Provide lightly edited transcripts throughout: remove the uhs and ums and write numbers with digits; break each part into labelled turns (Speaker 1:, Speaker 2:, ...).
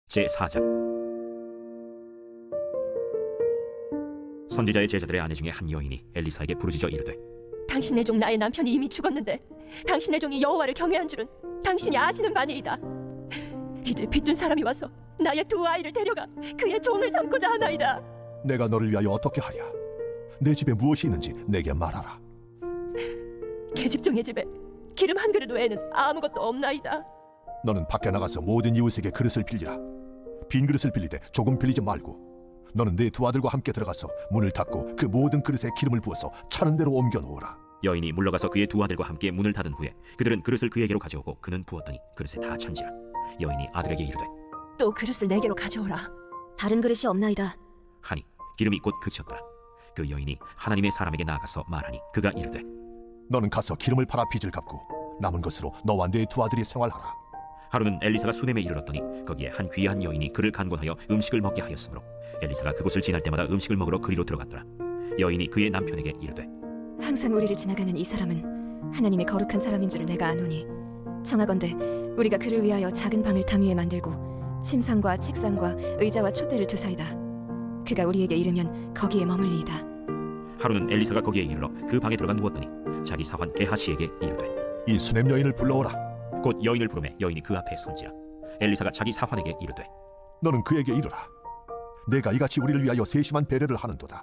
Speaker 1: 제4장. 선지자의 제자들의 아내 중에 한 여인이 엘리사에게 부르짖어 이르되,
Speaker 2: 당신의 종 나의 남편이 이미 죽었는데 당신의 종이 여호와를 경외한 줄은 당신이 아시는 바니이다. 이제 빚준 사람이 와서 나의 두 아이를 데려가 그의 종을 삼고자 하나이다.
Speaker 3: 내가 너를 위하여 어떻게 하랴? 내 집에 무엇이 있는지 내게 말하라.
Speaker 2: 계집종의 집에 기름 한 그릇 외에는 아무것도 없나이다.
Speaker 3: 너는 밖에 나가서 모든 이웃에게 그릇을 빌리라. 빈 그릇을 빌릴 때 조금 빌리지 말고 너는 네 두 아들과 함께 들어가서 문을 닫고 그 모든 그릇에 기름을 부어서 차는 대로 옮겨 놓으라.
Speaker 1: 여인이 물러가서 그의 두 아들과 함께 문을 닫은 후에 그들은 그릇을 그에게로 가져오고 그는 부었더니 그릇에 다 찬지라. 여인이 아들에게 이르되,
Speaker 2: 또 그릇을 내게로 가져오라.
Speaker 4: 다른 그릇이 없나이다.
Speaker 1: 하니 기름이 곧 그치었더라. 그 여인이 하나님의 사람에게 나아가서 말하니 그가 이르되,
Speaker 3: 너는 가서 기름을 팔아 빚을 갚고 남은 것으로 너와 네 두 아들이 생활하라.
Speaker 1: 하루는 엘리사가 수넴에 이르렀더니 거기에 한 귀한 여인이 그를 간곤하여 음식을 먹게 하였으므로 엘리사가 그곳을 지날 때마다 음식을 먹으러 그리로 들어갔더라. 여인이 그의 남편에게 이르되,
Speaker 4: 항상 우리를 지나가는 이 사람은 하나님의 거룩한 사람인 줄 내가 아노니 청하건대 우리가 그를 위하여 작은 방을 담 위에 만들고 침상과 책상과 의자와 촛대를 두사이다. 그가 우리에게 이르면 거기에 머물리이다.
Speaker 1: 하루는 엘리사가 거기에 이르러 그 방에 들어가 누웠더니 자기 사환 게하시에게 이르되,
Speaker 3: 이 수넴 여인을 불러오라.
Speaker 1: 곧 여인을 부르매 여인이 그 앞에 선지라. 엘리사가 자기 사환에게 이르되,
Speaker 3: 너는 그에게 이르라. 내가 이같이 우리를 위하여 세심한 배려를 하는도다.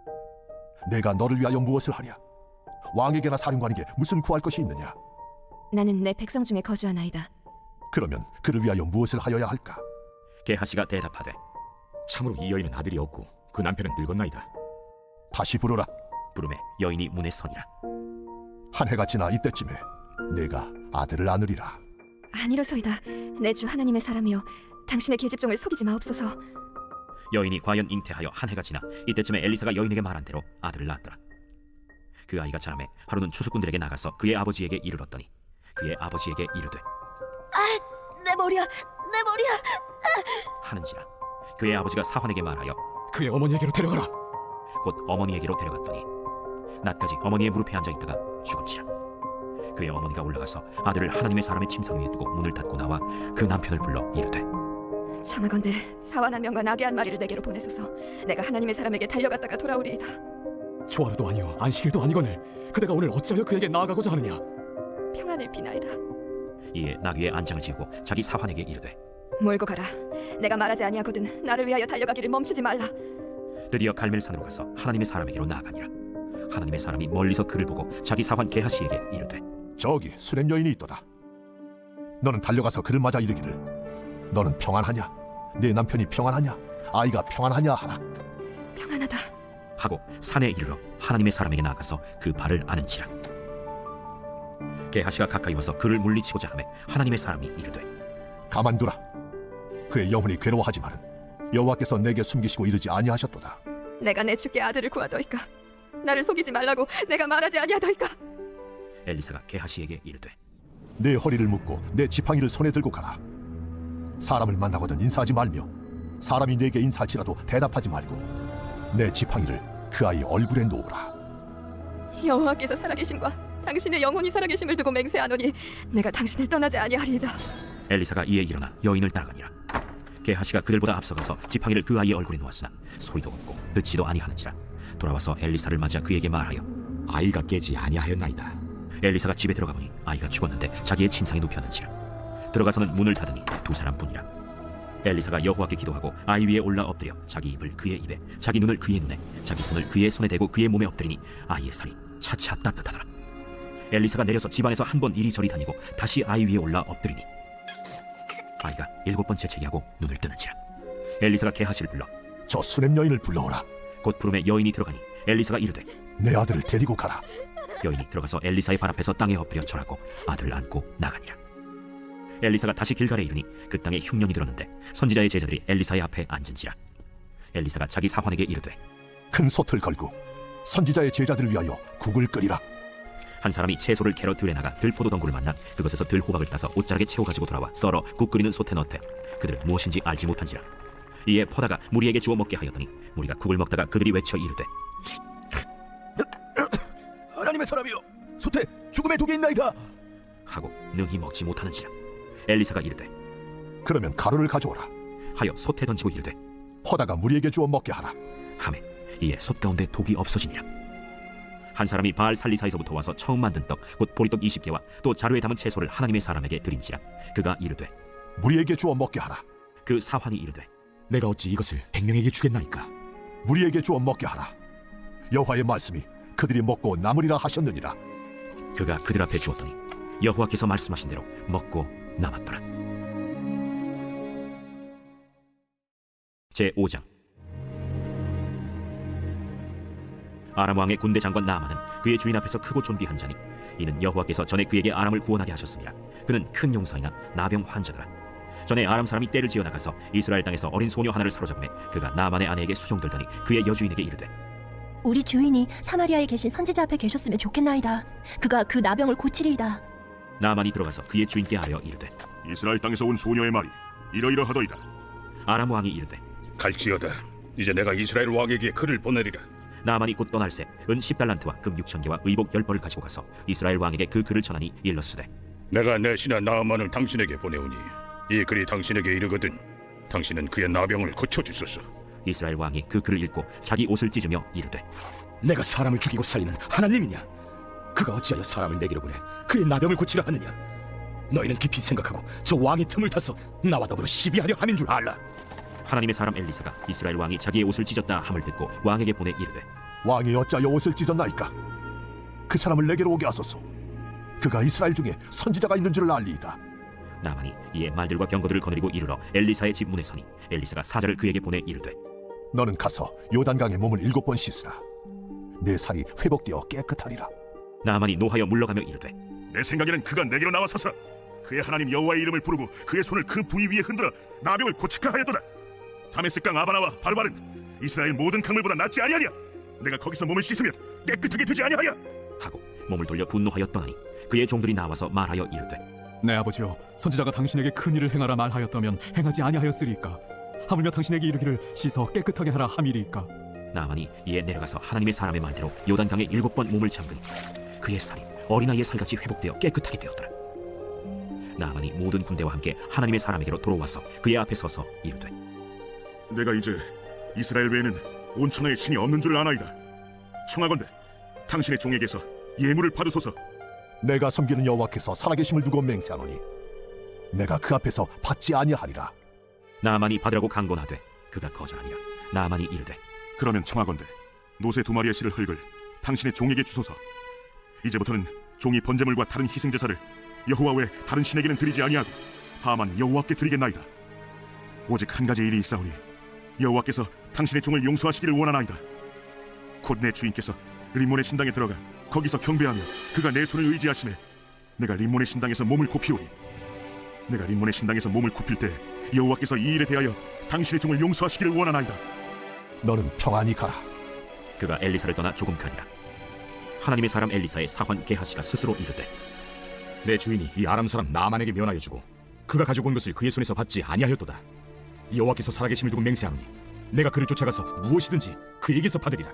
Speaker 3: 내가 너를 위하여 무엇을 하랴? 왕에게나 사령관에게 무슨 구할 것이 있느냐?
Speaker 4: 나는 내 백성 중에 거주하나이다.
Speaker 3: 그러면 그를 위하여 무엇을 하여야 할까?
Speaker 1: 게하시가 대답하되,
Speaker 5: 참으로 이 여인은 아들이 없고 그 남편은 늙었나이다.
Speaker 3: 다시 부르라.
Speaker 1: 부르매 여인이 문에 서니라.
Speaker 3: 한 해가 지나 이때쯤에 내가 아들을 안으리라.
Speaker 4: 아니로소이다. 내 주 하나님의 사람이여, 당신의 계집종을 속이지 마옵소서.
Speaker 1: 여인이 과연 잉태하여 한 해가 지나 이때쯤에 엘리사가 여인에게 말한 대로 아들을 낳았더라. 그 아이가 자라매 하루는 추수꾼들에게 나가서 그의 아버지에게 이르렀더니 그의 아버지에게 이르되,
Speaker 4: 내 머리야, 내 머리야.
Speaker 1: 하는지라. 그의 아버지가 사환에게 말하여
Speaker 5: 그의 어머니에게로 데려가라.
Speaker 1: 곧 어머니에게로 데려갔더니 낮까지 어머니의 무릎에 앉아있다가 죽은지라. 그의 어머니가 올라가서 아들을 하나님의 사람의 침상 위에 두고 문을 닫고 나와 그 남편을 불러 이르되,
Speaker 4: 청하건대 사완 한 명과 나귀 한 마리를 내게로 보내소서. 내가 하나님의 사람에게 달려갔다가 돌아오리이다.
Speaker 5: 초하루도 아니요 안식일도 아니거늘 그대가 오늘 어찌하여 그에게 나아가고자 하느냐?
Speaker 4: 평안을 비나이다.
Speaker 1: 이에 나귀에 안장을 지우고 자기 사환에게 이르되,
Speaker 4: 몰고 가라. 내가 말하지 아니하거든 나를 위하여 달려가기를 멈추지 말라.
Speaker 1: 드디어 갈멜산으로 가서 하나님의 사람에게로 나아가니라. 하나님의 사람이 멀리서 그를 보고 자기 사환 게하시에게 이르되,
Speaker 3: 저기 수넴 여인이 있도다. 너는 달려가서 그를 맞아 이르기를, 너는 평안하냐? 네 남편이 평안하냐? 아이가 평안하냐 하라.
Speaker 4: 평안하다.
Speaker 1: 하고 산에 이르러 하나님의 사람에게 나아가서 그 발을 아는지라. 게하시가 가까이 와서 그를 물리치고자 하매 하나님의 사람이 이르되,
Speaker 3: 가만두라. 그의 영혼이 괴로워하지만은 여호와께서 내게 숨기시고 이르지 아니하셨도다.
Speaker 4: 내가 내 주께 아들을 구하더이까. 나를 속이지 말라고 내가 말하지 아니하더이까.
Speaker 1: 엘리사가 게하시에게 이르되,
Speaker 3: 내 허리를 묶고 내 지팡이를 손에 들고 가라. 사람을 만나거든 인사하지 말며 사람이 내게 인사할지라도 대답하지 말고 내 지팡이를 그 아이 얼굴에 놓으라.
Speaker 4: 여호와께서 살아계심과 당신의 영혼이 살아계심을 두고 맹세하노니 내가 당신을 떠나지 아니하리이다.
Speaker 1: 엘리사가 이에 일어나 여인을 따라가니라. 게하시가 그들보다 앞서가서 지팡이를 그 아이의 얼굴에 놓았으나 소리도 없고 듣지도 아니하는지라. 돌아와서 엘리사를 맞아 그에게 말하여
Speaker 5: 아이가 깨지 아니하였나이다.
Speaker 1: 엘리사가 집에 들어가 보니 아이가 죽었는데 자기의 침상에 눕혔는지라. 들어가서는 문을 닫으니 두 사람뿐이라. 엘리사가 여호와께 기도하고 아이 위에 올라 엎드려 자기 입을 그의 입에 자기 눈을 그의 눈에 자기 손을 그의 손에 대고 그의 몸에 엎드리니 아이의 살이 차차 따뜻하더라. 엘리사가 내려서 집안에서 한 번 이리저리 다니고 다시 아이 위에 올라 엎드리니 아이가 7번째 재기하고 눈을 뜨는지라. 엘리사가 게하시를 불러
Speaker 3: 저 수넴 여인을 불러오라.
Speaker 1: 곧 부름에 여인이 들어가니 엘리사가 이르되,
Speaker 3: 내 아들을 데리고 가라.
Speaker 1: 여인이 들어가서 엘리사의 발 앞에서 땅에 엎드려 절하고 아들을 안고 나가니라. 엘리사가 다시 길갈에 이르니 그 땅에 흉년이 들었는데 선지자의 제자들이 엘리사의 앞에 앉은지라. 엘리사가 자기 사환에게 이르되,
Speaker 3: 큰 솥을 걸고 선지자의 제자들을 위하여 국을 끓이라.
Speaker 1: 한 사람이 채소를 캐러 들에 나가 들포도 덩굴을 만나 그것에서 들호박을 따서 옷자락에 채워 가지고 돌아와 썰어 국 끓이는 솥에 넣되 그들은 무엇인지 알지 못한지라. 이에 퍼다가 무리에게 주어 먹게 하였더니 무리가 국을 먹다가 그들이 외쳐 이르되,
Speaker 3: 하나님의 사람이여, 솥에 죽음의 독이 있나이다
Speaker 1: 하고 능히 먹지 못하는지라. 엘리사가 이르되,
Speaker 3: 그러면 가루를 가져오라.
Speaker 1: 하여 솥에 던지고 이르되
Speaker 3: 퍼다가 무리에게 주어 먹게 하라.
Speaker 1: 하매 이에 솥 가운데 독이 없어지니라. 한 사람이 바알 살리사에서부터 와서 처음 만든 떡 곧 보리떡 20개와 또 자루에 담은 채소를 하나님의 사람에게 드린지라. 그가 이르되
Speaker 3: 무리에게 주어 먹게 하라.
Speaker 1: 그 사환이 이르되
Speaker 5: 내가 어찌 이것을 100명에게 주겠나이까?
Speaker 3: 무리에게 주어 먹게 하라. 여호와의 말씀이 그들이 먹고 남으리라 하셨느니라.
Speaker 1: 그가 그들 앞에 주었더니 여호와께서 말씀하신 대로 먹고 남았더라. 제 5장. 아람 왕의 군대 장관 나아만은 그의 주인 앞에서 크고 존귀한 자니 이는 여호와께서 전에 그에게 아람을 구원하게 하셨습니다. 그는 큰 용사이나 나병 환자더라. 전에 아람 사람이 떼를 지어 나가서 이스라엘 땅에서 어린 소녀 하나를 사로잡음에 그가 나아만의 아내에게 수종들더니 그의 여주인에게 이르되
Speaker 2: 우리 주인이 사마리아에 계신 선지자 앞에 계셨으면 좋겠나이다. 그가 그 나병을 고치리이다.
Speaker 1: 나아만이 들어가서 그의 주인께 아뢰어 이르되
Speaker 6: 이스라엘 땅에서 온 소녀의 말이 이러이러하더이다.
Speaker 1: 아람 왕이 이르되
Speaker 7: 갈지어다. 이제 내가 이스라엘 왕에게 글을 보내리라.
Speaker 1: 나아만이 곧 떠날새 은 10달란트와 금 6,000개와 의복 10벌을 가지고 가서 이스라엘 왕에게 그 글을 전하니 일렀으되
Speaker 7: 내가 내 신하 나아만을 당신에게 보내오니 이 글이 당신에게 이르거든 당신은 그의 나병을 고쳐주소서.
Speaker 1: 이스라엘 왕이 그 글을 읽고 자기 옷을 찢으며 이르되
Speaker 5: 내가 사람을 죽이고 살리는 하나님이냐? 그가 어찌하여 사람을 내게로 보내 그의 나병을 고치려 하느냐? 너희는 깊이 생각하고 저 왕의 틈을 타서 나와 더불어 시비하려 함인 줄 알라.
Speaker 1: 하나님의 사람 엘리사가 이스라엘 왕이 자기의 옷을 찢었다 함을 듣고 왕에게 보내 이르되
Speaker 3: 왕이 어찌하여 옷을 찢었나이까? 그 사람을 내게로 오게 하소서. 그가 이스라엘 중에 선지자가 있는 줄을 알리이다.
Speaker 1: 나만이 이에 말들과 병거들을 거느리고 이르러 엘리사의 집 문에 서니 엘리사가 사자를 그에게 보내 이르되
Speaker 3: 너는 가서 요단강에 몸을 7번 씻으라. 내 살이 회복되어 깨끗하리라.
Speaker 1: 나만이 노하여 물러가며 이르되
Speaker 6: 내 생각에는 그가 내게로 나와서서 그의 하나님 여호와의 이름을 부르고 그의 손을 그 부위 위에 흔들어 나병을 고치카 하였도다. 다메섹강 아바나와 바르바른 이스라엘 모든 강물보다 낫지 아니하냐? 내가 거기서 몸을 씻으면 깨끗하게 되지 아니하냐?
Speaker 1: 하고 몸을 돌려 분노하여 떠나니 그의 종들이 나와서 말하여 이르되
Speaker 5: 내 아버지여, 선지자가 당신에게 큰 일을 행하라 말하였다면 행하지 아니하였으리까? 하물며 당신에게 이르기를 씻어 깨끗하게 하라 함이리까?
Speaker 1: 나만이 이에 내려가서 하나님의 사람의 말대로 요단강에 7번 몸을 잠그니 그의 살이 어린아이의 살같이 회복되어 깨끗하게 되었더라. 나만이 모든 군대와 함께 하나님의 사람에게로 돌아와서 그의 앞에 서서 이르되
Speaker 6: 내가 이제 이스라엘 외에는 온 천하에 신이 없는 줄을 아나이다. 청하건대 당신의 종에게서 예물을 받으소서.
Speaker 3: 내가 섬기는 여호와께서 살아계심을 두고 맹세하노니 내가 그 앞에서 받지 아니하리라.
Speaker 1: 나만이 받으라고 강권하되 그가 거절하니라. 나만이 이르되
Speaker 6: 그러면 청하건대 노새 2마리의 실을 흙을 당신의 종에게 주소서. 이제부터는 종이 번제물과 다른 희생제사를 여호와 외 다른 신에게는 드리지 아니하고 다만 여호와께 드리겠나이다. 오직 한 가지 일이 있사오니 여호와께서 당신의 종을 용서하시기를 원하나이다. 곧 내 주인께서 림몬의 신당에 들어가 거기서 경배하며 그가 내 손을 의지하시매 내가 림몬의 신당에서 몸을 굽히오리. 내가 림몬의 신당에서 몸을 굽힐 때 여호와께서 이 일에 대하여 당신의 종을 용서하시기를 원하나이다.
Speaker 3: 너는 평안히 가라.
Speaker 1: 그가 엘리사를 떠나 조금 가니라. 하나님의 사람 엘리사의 사환 게하시가 스스로 이르되
Speaker 8: 내 주인이 이 아람 사람 나만에게 면하여 주고 그가 가지고 온 것을 그의 손에서 받지 아니하였도다. 여호와께서 살아계심을 두고 맹세하노니 내가 그를 쫓아가서 무엇이든지 그에게서 받으리라.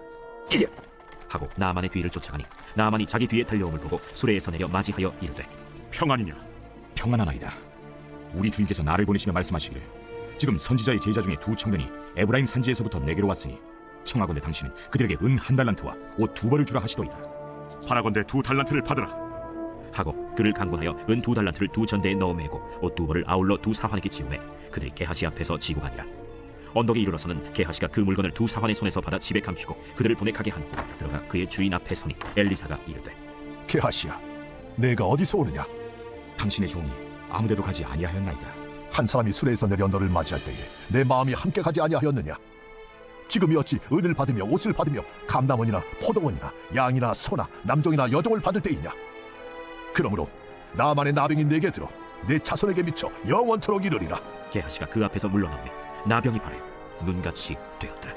Speaker 1: 하고 나만의 뒤를 쫓아가니 나만이 자기 뒤에 달려옴을 보고 수레에서 내려 맞이하여 이르되
Speaker 6: 평안이냐?
Speaker 8: 평안하나이다. 우리 주인께서 나를 보내시며 말씀하시기를 지금 선지자의 제자 중에 2 청년이 에브라임 산지에서부터 내게로 왔으니 청하건대 당신은 그들에게 은 1달란트와 옷 2벌을 주라 하시도이다.
Speaker 6: 바라건대 2달란트를 받으라.
Speaker 1: 하고 그를 강권하여 은 2달란트를 2전대에 넣어 매고 옷 2벌을 아울러 2 사환에게 지우매 그들이 게하시 앞에서 지고 가니라. 언덕에 이르러서는 게하시가 그 물건을 2 사환의 손에서 받아 집에 감추고 그들을 보내 가게 한 후 들어가 그의 주인 앞에 서니 엘리사가 이르되
Speaker 3: 게하시야, 내가 어디서 오느냐?
Speaker 8: 당신의 종이 아무데도 가지 아니하였나이다.
Speaker 3: 한 사람이 수레에서 내려 너를 맞이할 때에 내 마음이 함께 가지 아니하였느냐? 지금이 어찌 은을 받으며 옷을 받으며 감남원이나 포도원이나 양이나 소나 남종이나 여종을 받을 때이냐? 그러므로 나만의 나병이 내게 들어 내 자손에게 미쳐 영원토록 이르리라.
Speaker 1: 게하시가 그 앞에서 물러나매 나병이 바래 눈같이 되었더라.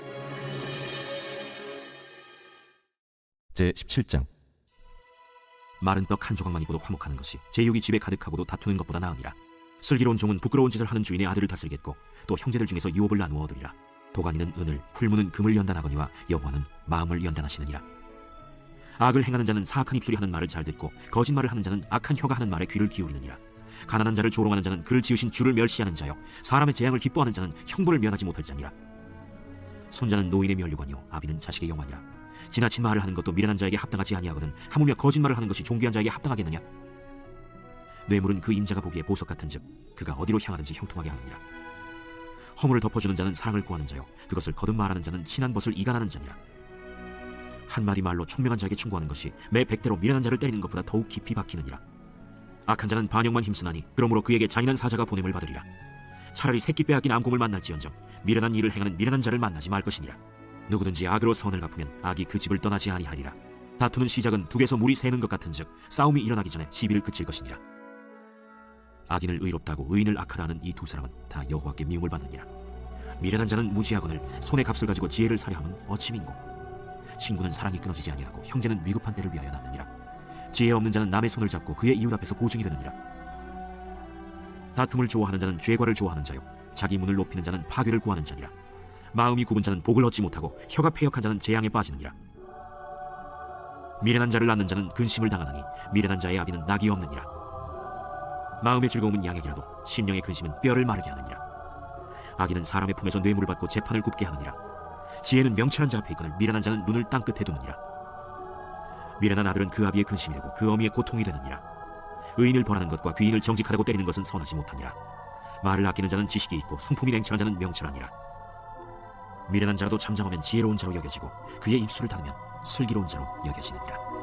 Speaker 9: 제 17장.
Speaker 1: 마른 떡 한 조각만 입고도 화목하는 것이 제육이 집에 가득하고도 다투는 것보다 나으니라. 슬기로운 종은 부끄러운 짓을 하는 주인의 아들을 다스리겠고 또 형제들 중에서 유업을 나누어 얻으리라. 도가니는 은을, 풀무는 금을 연단하거니와 여호와는 마음을 연단하시느니라. 악을 행하는 자는 사악한 입술이 하는 말을 잘 듣고 거짓말을 하는 자는 악한 혀가 하는 말에 귀를 기울이느니라. 가난한 자를 조롱하는 자는 그를 지으신 주를 멸시하는 자요 사람의 재앙을 기뻐하는 자는 형벌을 면하지 못할 자니라. 손자는 노인의 면류관이요 아비는 자식의 영화니라. 지나친 말을 하는 것도 미련한 자에게 합당하지 아니하거든 하물며 거짓말을 하는 것이 존귀한 자에게 합당하겠느냐. 뇌물은 그 임자가 보기에 보석 같은즉 그가 어디로 향하든지 형통하게 하느니라. 허물을 덮어주는 자는 사랑을 구하는 자요 그것을 거듭 말하는 자는 친한 벗을 이간하는 자니라. 한마디 말로 총명한 자에게 충고하는 것이 매 100대로 미련한 자를 때리는 것보다 더욱 깊이 박히느니라. 악한 자는 반역만 힘쓰나니 그러므로 그에게 잔인한 사자가 보냄을 받으리라. 차라리 새끼 빼앗긴 암곰을 만날지언정 미련한 일을 행하는 미련한 자를 만나지 말 것이니라. 누구든지 악으로 선을 갚으면 악이 그 집을 떠나지 아니하리라. 다투는 시작은 둑에서 물이 새는 것 같은즉 싸움이 일어나기 전에 시비를 그칠 것이니라. 악인을 의롭다고 의인을 악하다 하는 이 두 사람은 다 여호와께 미움을 받느니라. 미련한 자는 무지하거늘 손의 값을 가지고 지혜를 사려 함은 어찌 민고. 친구는 사랑이 끊어지지 아니하고 형제는 위급한 때를 위하여 낳느니라. 지혜 없는 자는 남의 손을 잡고 그의 이웃 앞에서 보증이 되느니라. 다툼을 좋아하는 자는 죄과를 좋아하는 자요 자기 문을 높이는 자는 파괴를 구하는 자니라. 마음이 굽은 자는 복을 얻지 못하고 혀가 패역한 자는 재앙에 빠지느니라. 미련한 자를 낳는 자는 근심을 당하느니 미련한 자의 아비는 낙이 없느니라. 마음의 즐거움은 양액이라도 심령의 근심은 뼈를 마르게 하느니라. 악인은 사람의 품에서 뇌물을 받고 재판을 굽게 하느니라. 지혜는 명철한 자 앞에 있거늘 미련한 자는 눈을 땅끝에 두느니라. 미련한 아들은 그 아비의 근심이 되고 그 어미의 고통이 되느니라. 의인을 벌하는 것과 귀인을 정직하다고 때리는 것은 선하지 못하니라. 말을 아끼는 자는 지식이 있고 성품이 냉철한 자는 명철하니라. 미련한 자라도 잠잠하면 지혜로운 자로 여겨지고 그의 입술을 닫으면 슬기로운 자로 여겨지느니라.